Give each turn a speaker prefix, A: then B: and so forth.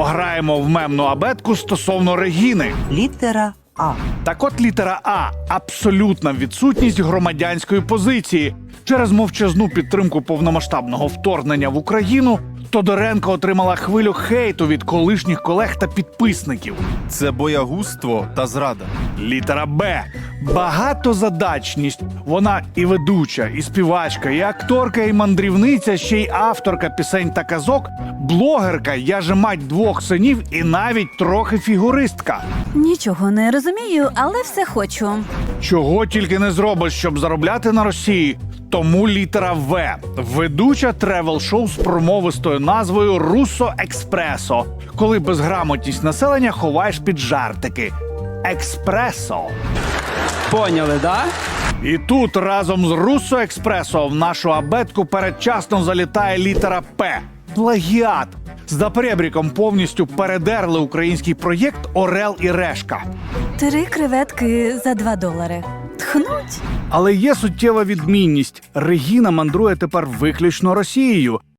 A: Пограємо в мемну абетку стосовно Регіни.
B: Літера А.
A: Так от літера А – абсолютна відсутність громадянської позиції. Через мовчазну підтримку повномасштабного вторгнення в Україну Тодоренко отримала хвилю хейту від колишніх колег та підписників.
C: Це боягузтво та зрада.
A: Літера Б – багатозадачність. Вона і ведуча, і співачка, і акторка, і мандрівниця, ще й авторка пісень та казок, блогерка, я же мать двох синів і навіть трохи фігуристка.
D: Нічого не розумію, але все хочу.
A: Чого тільки не зробиш, щоб заробляти на Росії. Тому літера В. Ведуча тревел-шоу з промовистою назвою «Руссо Експресо», коли безграмотність населення ховаєш під жартики. Експресо.
E: Поняли, да?
A: І тут разом з «Руссо Експресо» в нашу абетку передчасно залітає літера П. Плагіат. За перебріком повністю передерли український проєкт «Орел і Решка».
D: 3 креветки за $2. Тхнуть.
A: Але є суттєва відмінність. Регіна мандрує тепер виключно Росією.